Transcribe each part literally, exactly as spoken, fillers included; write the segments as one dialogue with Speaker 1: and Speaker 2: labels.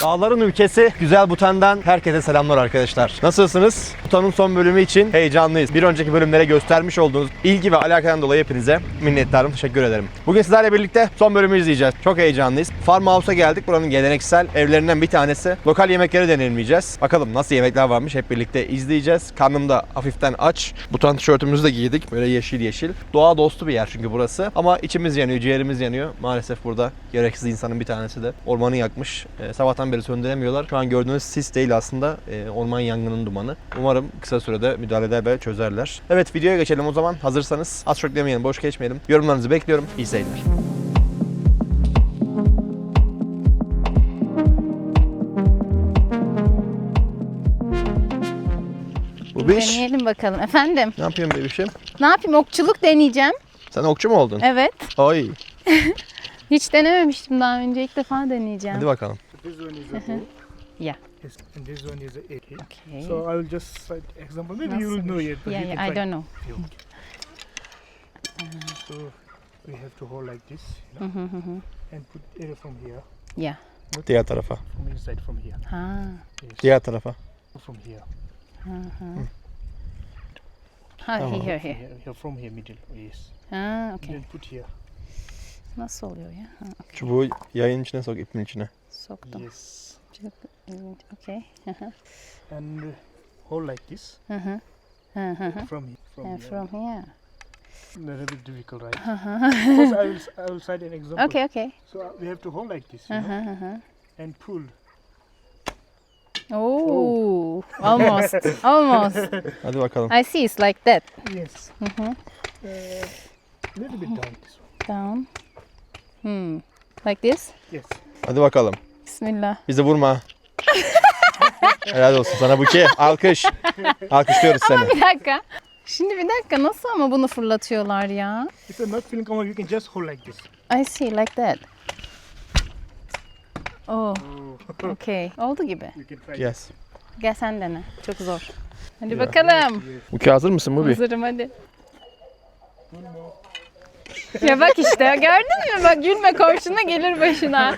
Speaker 1: Dağların ülkesi Güzel Bhutan'dan herkese selamlar arkadaşlar. Nasılsınız? Bhutan'ın son bölümü için heyecanlıyız. Bir önceki bölümlere göstermiş olduğunuz ilgi ve alakadan dolayı hepinize minnettarım. Teşekkür ederim. Bugün sizlerle birlikte son bölümü izleyeceğiz. Çok heyecanlıyız. Farmhouse'a geldik. Buranın geleneksel evlerinden bir tanesi. Lokal yemekleri deneyimleyeceğiz. Bakalım nasıl yemekler varmış hep birlikte izleyeceğiz. Karnım da hafiften aç. Bhutan tişörtümüzü de giydik. Böyle yeşil yeşil. Doğa dostu bir yer çünkü burası. Ama içimiz yanıyor, ciğerimiz yanıyor. Maalesef burada gereksiz insanın bir tanesi de ormanı yakmış. E, sabahtan beri söndüremiyorlar. Şu an gördüğünüz sis değil aslında. E, orman yangının dumanı. Umarım kısa sürede müdahale eder ve çözerler. Evet, videoya geçelim o zaman. Hazırsanız az çok demeyelim, boş geçmeyelim. Yorumlarınızı bekliyorum. İyi seyirler. Bu bir iş.
Speaker 2: Deneyelim bakalım. Efendim?
Speaker 1: Ne yapıyorsun bebişim?
Speaker 2: Ne yapayım? Okçuluk deneyeceğim.
Speaker 1: Sen okçu mu oldun?
Speaker 2: Evet.
Speaker 1: Ay.
Speaker 2: Hiç denememiştim daha önce. İlk defa deneyeceğim.
Speaker 1: Hadi bakalım.
Speaker 3: This one is a bow.
Speaker 2: Yeah.
Speaker 3: Yes, and this one is a A K.
Speaker 2: Okay.
Speaker 3: So I will just cite example. Maybe you will know it, but
Speaker 2: Yeah,
Speaker 3: you
Speaker 2: yeah,
Speaker 3: can
Speaker 2: I
Speaker 3: try.
Speaker 2: don't know.
Speaker 3: So we have to hold like this, you know, and put it from here,
Speaker 2: Yeah.
Speaker 1: Diğer tarafa.
Speaker 3: from inside, from here.
Speaker 2: Ha.
Speaker 3: Yes.
Speaker 1: Diğer tarafa.
Speaker 3: From here.
Speaker 2: Ha,
Speaker 1: Tamam.
Speaker 2: here, here.
Speaker 3: Here, here, from here, middle. Yes.
Speaker 2: Ha, okay.
Speaker 3: Then put here.
Speaker 2: Nasıl oluyor ya? Ha, okay.
Speaker 1: Çubuğu yayın içine sok, ipin içine.
Speaker 2: Soktum.
Speaker 3: Yes.
Speaker 2: Çok ilginç. Okay. Hı hı.
Speaker 3: And uh, hold like this.
Speaker 2: Hı hı. Hı hı hı.
Speaker 3: From here. From
Speaker 2: And
Speaker 3: here.
Speaker 2: from here.
Speaker 3: A little bit difficult, right? First, I will I will cite an example.
Speaker 2: Okay, okay.
Speaker 3: So uh, we have to hold like this,
Speaker 2: Hı
Speaker 3: you
Speaker 2: hı
Speaker 3: know,
Speaker 2: hı hı.
Speaker 3: and pull.
Speaker 2: Oh, almost, almost.
Speaker 1: Hadi bakalım.
Speaker 2: I see it's like that.
Speaker 3: Yes.
Speaker 2: Hı hı.
Speaker 3: Uh, little bit down this one.
Speaker 2: Down. Hmm. Like this?
Speaker 3: Yes.
Speaker 1: Hadi bakalım.
Speaker 2: Bismillah.
Speaker 1: Bizi vurma. Helal olsun sana Buki. Alkış. Alkışlıyoruz seni.
Speaker 2: Bir dakika. Şimdi bir dakika, nasıl ama bunu fırlatıyorlar ya?
Speaker 3: If you're not feeling comfortable, you can just hold like this.
Speaker 2: I see, like that. Oh, okay. Oldu gibi.
Speaker 3: You can try.
Speaker 1: Yes.
Speaker 2: Gel sen dene. Çok zor. Hadi bakalım.
Speaker 1: Buki hazır mısın Bubi?
Speaker 2: Hazırım hadi. Ya bak işte, gördün mü? Bak, gülme, komşuna gelir başına.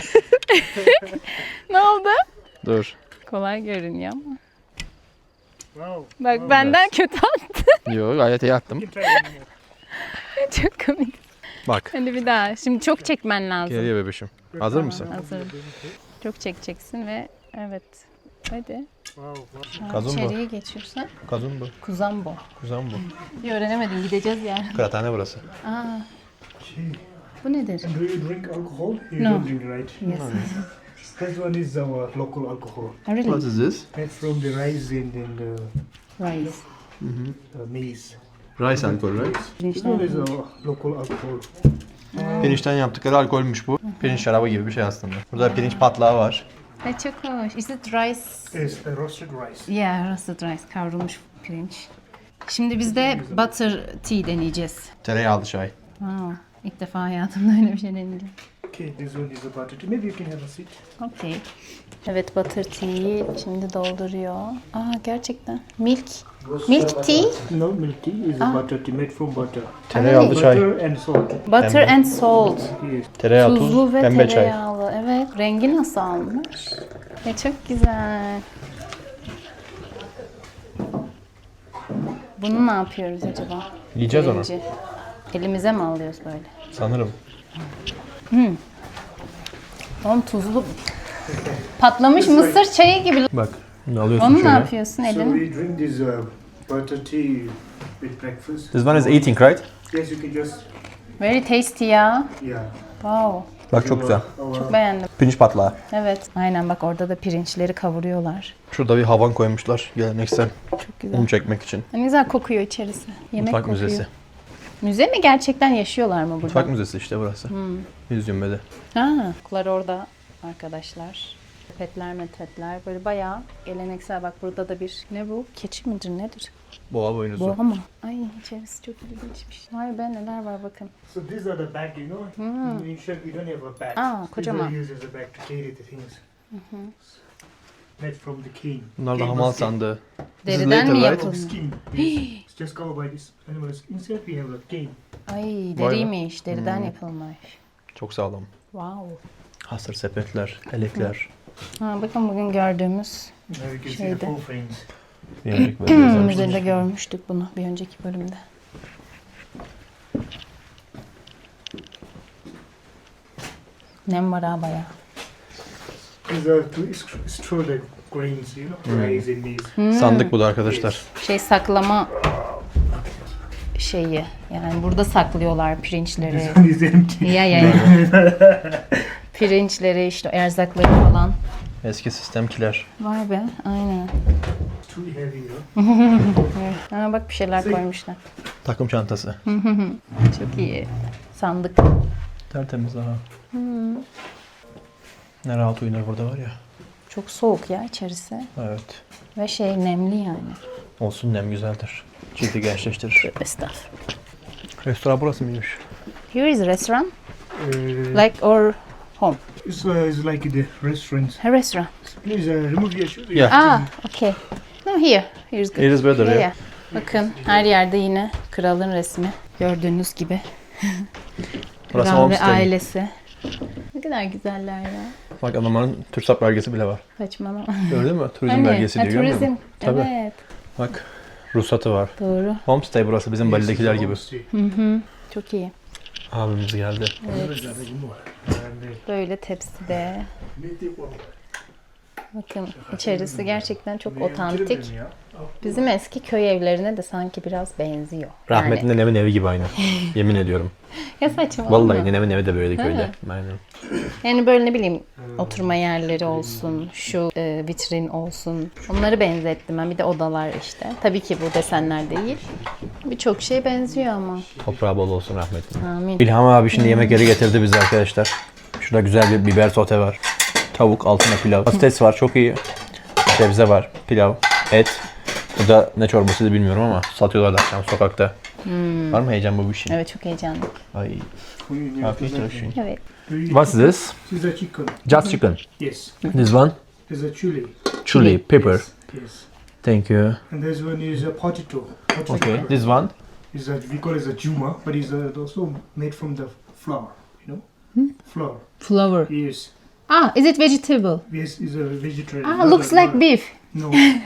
Speaker 2: Ne oldu?
Speaker 1: Dur.
Speaker 2: Kolay görünüyor ama.
Speaker 3: Wow.
Speaker 2: Bak benden kötü attı.
Speaker 1: Yok, gayet iyi attım.
Speaker 3: You can try one more.
Speaker 2: Çok komik.
Speaker 1: Bak.
Speaker 2: Hadi bir daha. Şimdi çok çekmen lazım.
Speaker 1: Geliyor bebişim. Hazır mısın?
Speaker 2: Hazırım. Çok çekeceksin ve evet. Hadi.
Speaker 3: Wow. wow.
Speaker 2: Ha,
Speaker 1: Kazun bu.
Speaker 2: İçeriye geçiyorsan.
Speaker 1: Kazun bu.
Speaker 2: Kuzambo.
Speaker 1: Kuzan bu.
Speaker 2: Bir öğrenemedim, gideceğiz yani.
Speaker 1: Kıraathane burası.
Speaker 2: Aa, bu nedir?
Speaker 3: Do you drink alcohol? You
Speaker 2: No.
Speaker 3: don't drink, right?
Speaker 2: Yes.
Speaker 3: This one is our local alcohol.
Speaker 2: Oh, really?
Speaker 1: is this?
Speaker 3: Made from the rice and, and the
Speaker 2: Rice.
Speaker 3: uh, maize.
Speaker 1: Rice alkol, right?
Speaker 3: This one is our local alcohol.
Speaker 1: Pirinçten yaptıkları alkolmüş bu. Pirinç şarabı gibi bir şey aslında. Burada pirinç patlağı var.
Speaker 2: Ay çok hoş. Is it rice?
Speaker 3: Yes, uh, roasted rice.
Speaker 2: Yeah, roasted rice. Kavrulmuş pirinç. Şimdi biz de butter tea deneyeceğiz.
Speaker 1: Tereyağlı çay.
Speaker 2: Wow. İlk defa hayatımda öyle bir şey deneyeceğim.
Speaker 3: Okay, this one is a butter tea. Maybe you can have a seat.
Speaker 2: Okay. Evet, butter tea'yi şimdi dolduruyor. Aa, gerçekten. Milk. Milk tea.
Speaker 3: No, milk tea is a butter tea made from butter.
Speaker 1: Tereyağlı çay.
Speaker 3: Butter and salt.
Speaker 2: Butter and salt.
Speaker 3: Yes.
Speaker 1: Tereyağı,
Speaker 2: Tuzlu
Speaker 1: tuz,
Speaker 2: ve
Speaker 1: pembe çay.
Speaker 2: tereyağlı. Evet. Rengi nasıl almış? E, çok güzel. Bunu ne yapıyoruz acaba?
Speaker 1: Yiyeceğiz onu.
Speaker 2: Birinci. Elimize mi alıyoruz böyle?
Speaker 1: Sanırım.
Speaker 2: Oğlum tuzlu. Patlamış mısır çayı gibi.
Speaker 1: Bak. Şimdi alıyorsun
Speaker 2: Onu ne
Speaker 1: şöyle.
Speaker 2: yapıyorsun
Speaker 3: So
Speaker 2: elini?
Speaker 3: we drink this uh, butter tea with breakfast.
Speaker 1: This one is eating, right?
Speaker 3: Yes, you can just,
Speaker 2: Very tasty ya.
Speaker 3: yeah.
Speaker 2: Wow.
Speaker 1: Bak çok güzel.
Speaker 3: Our,
Speaker 2: Çok beğendim.
Speaker 1: Pirinç patlağı.
Speaker 2: Evet. Aynen, bak orada da pirinçleri kavuruyorlar.
Speaker 1: Şurada bir havan koymuşlar geleneksel
Speaker 2: Çok güzel.
Speaker 1: un çekmek için.
Speaker 2: Ne güzel kokuyor içerisi. Yemek
Speaker 1: Mutfak
Speaker 2: kokuyor.
Speaker 1: müzesi.
Speaker 2: Müze mi, gerçekten yaşıyorlar mı burada?
Speaker 1: Mutfak müzesi işte burası. Yüzyımbede.
Speaker 2: Ha, kuklar orada arkadaşlar. Petler metetler böyle bayağı geleneksel. Bak burada da bir, ne bu? Keçi midir nedir?
Speaker 1: Boğa boynuzu.
Speaker 2: Boğa mı? Ay, içerisi çok ilginçmiş. Vay be, neler var bakın.
Speaker 3: so these are the bag, you know. In Asia, we don't have a bag.
Speaker 2: Ah,
Speaker 3: These
Speaker 2: kocaman.
Speaker 3: are used as a bag to carry the things. Made from the cane.
Speaker 1: Bunlar da
Speaker 3: Cane
Speaker 1: hamal
Speaker 3: skin.
Speaker 1: sandığı. This is
Speaker 2: Deriden mi
Speaker 1: later, right?
Speaker 3: Of
Speaker 2: yapılmış?
Speaker 3: skin. Yes. It's just covered by this animal skin. Inside we have a cane.
Speaker 2: Ay,
Speaker 1: be.
Speaker 2: deriymiş. Deriden yapılmış.
Speaker 1: Çok sağlam.
Speaker 2: Wow.
Speaker 1: Hasır sepetler, elekler.
Speaker 2: Ha, bakın bugün gördüğümüz
Speaker 3: Now you can see
Speaker 2: Şeyde.
Speaker 3: the full frames.
Speaker 1: Bir önceki bölümde izlemiştik.
Speaker 2: müzede görmüştük bunu bir önceki bölümde. Nem var ha bayağı.
Speaker 3: These are to it's, it's through the grains, you know, rice and maize.
Speaker 1: Sandık bu da arkadaşlar.
Speaker 2: Şey saklama şeyi. Yani burada saklıyorlar pirinçleri.
Speaker 3: This one is empty.
Speaker 2: Ya ya ya. Pirinçleri işte erzakları falan.
Speaker 1: Eski sistemkiler.
Speaker 2: Vay be aynen.
Speaker 3: Too heavy, you know.
Speaker 2: Ha, bak bir şeyler koymuşlar.
Speaker 1: Takım çantası.
Speaker 2: Çok iyi. Sandık.
Speaker 1: Tertemiz daha. Ne rahat uyunur burada var ya.
Speaker 2: Çok soğuk ya içerisi.
Speaker 1: Evet.
Speaker 2: Ve şey nemli yani.
Speaker 1: Olsun, nem güzeldir. Cildi gençleştirir.
Speaker 2: Estağfurullah.
Speaker 1: Restoran burası mıymış?
Speaker 2: Here is a restaurant.
Speaker 3: Uh,
Speaker 2: Like or home.
Speaker 3: it's, uh, it's like the restaurants.
Speaker 2: A restaurant.
Speaker 3: Please uh, remove your shoes.
Speaker 1: Yeah.
Speaker 2: Ah, okay. No, here. Here's good.
Speaker 1: It is better
Speaker 2: Yeah,
Speaker 1: ya.
Speaker 2: yeah. Bakın her yerde yine kralın resmi. Gördüğünüz gibi.
Speaker 1: Burası
Speaker 2: Kral ve
Speaker 1: homestay.
Speaker 2: ailesi. Ne kadar güzeller ya.
Speaker 1: Bak adamların TÜRSAP belgesi bile var.
Speaker 2: Saçmalama.
Speaker 1: Gördün mü? Turizm
Speaker 2: Hani,
Speaker 1: belgesi
Speaker 2: ha,
Speaker 1: diyor, görmüyor
Speaker 2: turizm.
Speaker 1: musun? Tabii.
Speaker 2: Evet.
Speaker 1: Bak ruhsatı var.
Speaker 2: Doğru.
Speaker 1: Homestay burası bizim Bali'dekiler gibi.
Speaker 2: Hı hı. Çok iyi.
Speaker 1: Abimiz geldi.
Speaker 2: Evet. Böyle tepside. Bakın içerisi gerçekten çok otantik. Bizim eski köy evlerine de sanki biraz benziyor.
Speaker 1: Rahmetli nenemin evi gibi aynı. Yemin ediyorum.
Speaker 2: Yani, ya saçmalama.
Speaker 1: Vallahi nenemin evi de böyle
Speaker 2: Ha.
Speaker 1: köyde. Aynen.
Speaker 2: Yani böyle ne bileyim oturma yerleri olsun, şu e, vitrin olsun. Onları benzettim ben. Bir de odalar işte. Tabii ki bu desenler değil. Birçok şey benziyor ama.
Speaker 1: Toprağı bol olsun rahmetli.
Speaker 2: Amin.
Speaker 1: İlham abi şimdi yemekleri getirdi bize arkadaşlar. Şurada güzel bir biber sote var. Tavuk, altına pilav. Patates var, çok iyi. Sebze var, pilav, et. Bu da ne çorbası bilmiyorum ama satıyorlar da akşam sokakta. Var mı heyecan bu bir şey?
Speaker 2: Evet çok heyecanlı.
Speaker 1: Ay. Afiyet olsun.
Speaker 2: Evet.
Speaker 1: What's this?
Speaker 3: This is a chicken.
Speaker 1: Just chicken.
Speaker 3: Yes.
Speaker 1: This one?
Speaker 3: There's a chili.
Speaker 1: Chili, pepper.
Speaker 3: Yes. Yes.
Speaker 1: Thank you.
Speaker 3: And this one is a potato. potato.
Speaker 1: Okay. This one?
Speaker 3: Is a, we call it a juma, but it's uh, also made from the flour. You know, flour.
Speaker 2: Flower.
Speaker 3: Yes.
Speaker 2: Ah, is it vegetable?
Speaker 3: Yes, it's a vegetarian.
Speaker 2: Ah,
Speaker 3: Not
Speaker 2: looks
Speaker 3: a-
Speaker 2: like
Speaker 3: not a-
Speaker 2: beef.
Speaker 3: No.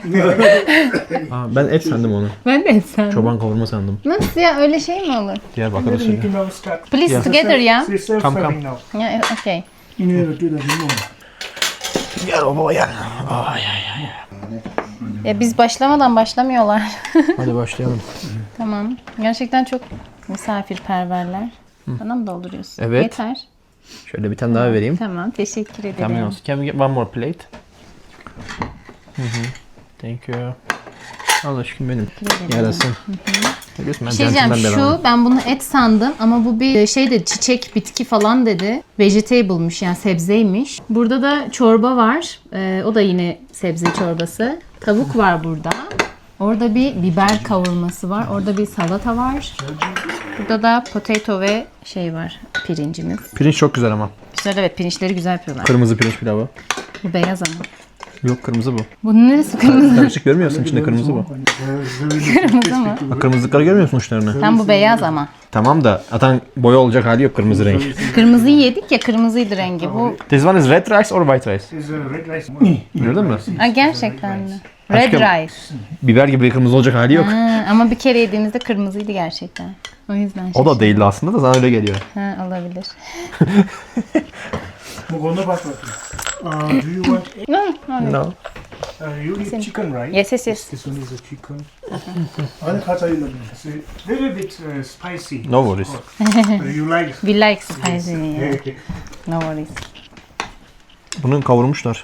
Speaker 1: Aa, ben et sandım onu.
Speaker 2: Ben de sandım.
Speaker 1: Çoban kavurma sandım.
Speaker 2: Nasıl ya öyle şey mi olur?
Speaker 1: Diyarbakır
Speaker 3: You
Speaker 1: usulü.
Speaker 3: can now start.
Speaker 2: Please
Speaker 1: Yeah.
Speaker 2: together ya.
Speaker 3: So it's self-serving now.
Speaker 2: Ya okay.
Speaker 3: You know, do the limon.
Speaker 1: Gel baba gel. Ay ay ay.
Speaker 2: Ya biz başlamadan başlamıyorlar.
Speaker 1: Hadi başlayalım.
Speaker 2: Tamam. Gerçekten çok misafirperverler. Bana mı dolduruyorsun?
Speaker 1: Evet.
Speaker 2: Yeter.
Speaker 1: Şöyle bir tane daha vereyim.
Speaker 2: Tamam. Teşekkür ederim.
Speaker 1: Tamam olsun. Can we get one more plate? Hı hı. Thank you. Allah aşkına benim. Yarasın. Biliyorsun ben
Speaker 2: Bir şey diyeceğim,
Speaker 1: centilmen bir adamım.
Speaker 2: şu ben bunu et sandım ama bu bir şey de çiçek bitki falan dedi. Vegetable'mış yani sebzeymiş. Burada da çorba var. Ee, o da yine sebze çorbası. Tavuk var burada. Orada bir biber kavurması var. Orada bir salata var. Burada da potato ve şey var. Pirincimiz.
Speaker 1: Pirinç çok güzel ama.
Speaker 2: Güzel evet pirinçleri güzel yapıyorlar.
Speaker 1: Kırmızı pirinç pilavı.
Speaker 2: Bu beyaz ama.
Speaker 1: Yok kırmızı bu.
Speaker 2: Bunun neresi kırmızı?
Speaker 1: Karışık görmüyorsun içinde kırmızı bu.
Speaker 2: Kırmızı mı?
Speaker 1: Bak kırmızılıkları görmüyorsun uçlarını.
Speaker 2: Tam bu beyaz ama.
Speaker 1: Tamam da atan boya olacak hali yok kırmızı renk.
Speaker 2: Kırmızıyı yedik ya kırmızıydı rengi. Bu
Speaker 1: This one is red rice or white rice?
Speaker 3: It's a red rice.
Speaker 1: Gördün mü?
Speaker 2: Aa, gerçekten mi? Red
Speaker 1: Aşkım.
Speaker 2: rice.
Speaker 1: Biber gibi kırmızı olacak hali yok.
Speaker 2: Ha, ama bir kere yediğimizde kırmızıydı gerçekten. O yüzden
Speaker 1: O da
Speaker 2: şaşırdım.
Speaker 1: değildi aslında da sana öyle geliyor.
Speaker 2: Ha, olabilir.
Speaker 3: Mugona basmati. Uh, do you want egg?
Speaker 2: No, no, no.
Speaker 1: No.
Speaker 3: Uh, you eat chicken, right?
Speaker 2: Yes, yes, yes.
Speaker 3: This one is a chicken. It's a little bit uh, spicy.
Speaker 1: No worries.
Speaker 3: Uh, you like?
Speaker 2: We like spicy. yeah.
Speaker 3: Okay.
Speaker 2: No worries.
Speaker 1: Bunu kavurmuşlar.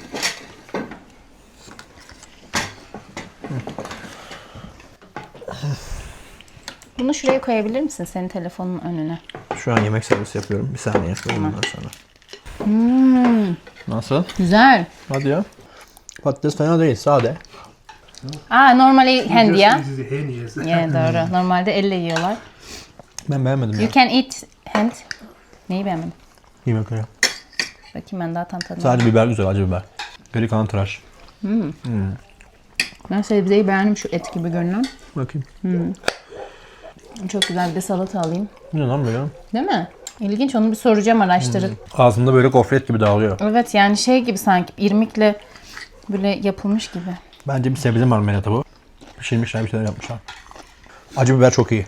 Speaker 2: Bunu şuraya koyabilir misin senin telefonun önüne?
Speaker 1: Şu an yemek servisi yapıyorum. Bir saniye yapıyorum ondan sonra.
Speaker 2: Hmm,
Speaker 1: Nasıl?
Speaker 2: güzel.
Speaker 1: Hadi ya. Patates fena değil, sade.
Speaker 2: Aa, normally hand
Speaker 3: Just-
Speaker 2: ya.
Speaker 3: This is a hand, yes.
Speaker 2: Yeah, doğru. Normalde elle yiyorlar.
Speaker 1: Ben beğenmedim ya.
Speaker 2: You can eat hand. Neyi beğenmedin?
Speaker 1: Yemekleri.
Speaker 2: Bakayım ben daha tam tadına.
Speaker 1: Sadece biber güzel, acı biber. Geri kalan tıraş.
Speaker 2: Ben sebzeyi beğendim şu et gibi görünen.
Speaker 1: Bakayım.
Speaker 2: Çok güzel bir de salata alayım.
Speaker 1: Bu ne lan böyle?
Speaker 2: Değil mi? İlginç, onu bir soracağım, araştırıp.
Speaker 1: Ağzımda böyle gofret gibi dağılıyor.
Speaker 2: Evet, yani şey gibi sanki irmikle böyle yapılmış gibi.
Speaker 1: Bence bir sebze marmelatı bu. Pişirmişler, bir şeyler yapmışlar. Acı biber çok iyi.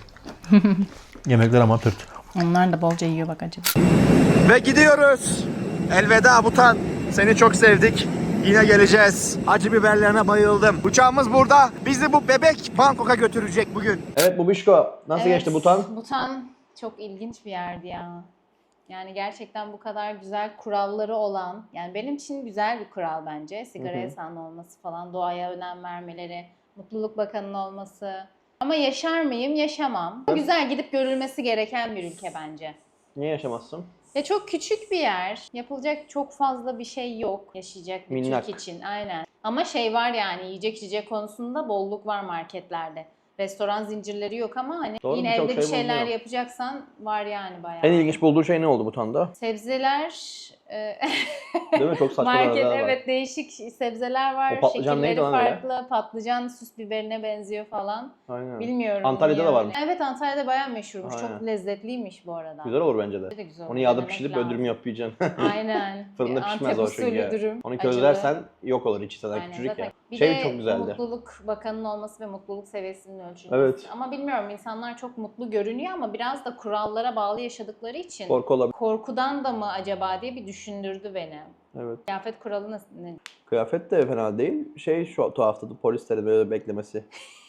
Speaker 1: Yemekler ama tırt.
Speaker 2: Onlar da bolca yiyor bak acaba.
Speaker 1: Ve gidiyoruz. Elveda Butan. Seni çok sevdik. Yine geleceğiz. Acı biberlerine bayıldım. Uçağımız burada. Bizi bu bebek Bangkok'a götürecek bugün. Evet Bubişko. Nasıl
Speaker 2: Evet,
Speaker 1: geçti Butan?
Speaker 2: Butan çok ilginç bir yerdi ya. Yani gerçekten bu kadar güzel kuralları olan, yani benim için güzel bir kural bence. Sigara yasağının olması falan, doğaya önem vermeleri, Mutluluk Bakanı'nın olması. Ama yaşar mıyım? Yaşamam. Güzel, gidip görülmesi gereken bir ülke bence.
Speaker 1: Niye yaşamazsın?
Speaker 2: Ya çok küçük bir yer. Yapılacak çok fazla bir şey yok yaşayacak bir
Speaker 1: Minnak.
Speaker 2: Türk için. Aynen. Ama şey var yani, yiyecek içecek konusunda bolluk var marketlerde. Restoran zincirleri yok ama hani
Speaker 1: Doğru,
Speaker 2: yine
Speaker 1: birçok
Speaker 2: evde bir
Speaker 1: şey
Speaker 2: şeyler
Speaker 1: bulunuyor.
Speaker 2: yapacaksan var yani bayağı.
Speaker 1: En ilginç bulduğu şey ne oldu Butan'da?
Speaker 2: Sebzeler, e,
Speaker 1: Değil mi? Çok saçma
Speaker 2: market,
Speaker 1: aralar var.
Speaker 2: evet, değişik sebzeler var.
Speaker 1: O patlıcan
Speaker 2: Şekilleri
Speaker 1: neydi lan öyle?
Speaker 2: farklı. Patlıcan süs biberine benziyor falan.
Speaker 1: Aynen.
Speaker 2: Bilmiyorum.
Speaker 1: Antalya'da
Speaker 2: niye
Speaker 1: da var
Speaker 2: öyle.
Speaker 1: mı?
Speaker 2: Evet, Antalya'da bayağı meşhurmuş.
Speaker 1: Aynen.
Speaker 2: Çok lezzetliymiş bu arada.
Speaker 1: Güzel olur bence de.
Speaker 2: De güzel
Speaker 1: Onu
Speaker 2: olur,
Speaker 1: yağda
Speaker 2: denemek
Speaker 1: pişirip
Speaker 2: lazım.
Speaker 1: öldürüm yap yiyeceksin.
Speaker 2: Aynen.
Speaker 1: Fırında
Speaker 2: Bir
Speaker 1: pişmez
Speaker 2: Antep
Speaker 1: o çünkü.
Speaker 2: usulü dürüm.
Speaker 1: Onu
Speaker 2: acılı.
Speaker 1: közlersen yok olur içi sana
Speaker 2: Aynen,
Speaker 1: küçücük
Speaker 2: zaten.
Speaker 1: ya.
Speaker 2: Bir
Speaker 1: Şey
Speaker 2: de
Speaker 1: çok güzeldi.
Speaker 2: Mutluluk Bakanı'nın olması ve mutluluk seviyesinin ölçülmesi.
Speaker 1: Evet.
Speaker 2: Ama bilmiyorum, insanlar çok mutlu görünüyor ama biraz da kurallara bağlı yaşadıkları için
Speaker 1: Korku olabilir.
Speaker 2: korkudan da mı acaba diye bir düşündürdü beni.
Speaker 1: Evet.
Speaker 2: Kıyafet kuralı nasıl? Ne?
Speaker 1: Kıyafet de fena değil. Şey şu tuhaftı, polislerin böyle beklemesi.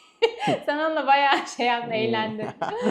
Speaker 2: Sen onunla bayağı şey yaptın,
Speaker 1: Hmm.
Speaker 2: eğlendin.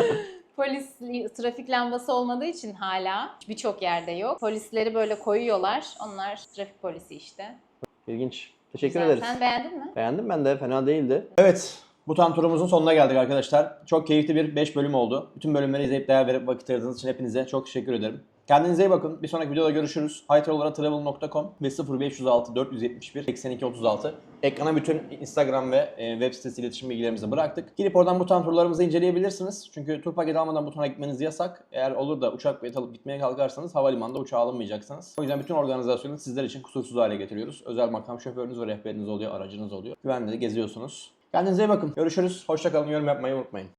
Speaker 2: Polis trafik lambası olmadığı için hala birçok yerde yok. Polisleri böyle koyuyorlar. Onlar trafik polisi işte.
Speaker 1: İlginç. Teşekkür
Speaker 2: Güzel.
Speaker 1: ederiz.
Speaker 2: Sen beğendin mi?
Speaker 1: Beğendim ben de, fena değildi. Evet, bu tam turumuzun sonuna geldik arkadaşlar. Çok keyifli bir beş bölüm oldu. Bütün bölümleri izleyip değer verip vakit ayırdığınız için hepinize çok teşekkür ederim. Kendinize iyi bakın. Bir sonraki videoda görüşürüz. haytravel nokta com ve sıfır beş yüz altı dört yüz yetmiş bir seksen iki otuz altı. Ekrana bütün Instagram ve e, web sitesi iletişim bilgilerimizi bıraktık. Gidip oradan Butan turlarımızı inceleyebilirsiniz. Çünkü tur paketi almadan Butan'a gitmeniz yasak. Eğer olur da uçak bileti alıp gitmeye kalkarsanız havalimanında uçağa alınmayacaksınız. O yüzden bütün organizasyonu sizler için kusursuz hale getiriyoruz. Özel makam şoförünüz ve rehberiniz oluyor, aracınız oluyor. Güvenli de geziyorsunuz. Kendinize iyi bakın. Görüşürüz. Hoşça kalın. Yorum yapmayı unutmayın.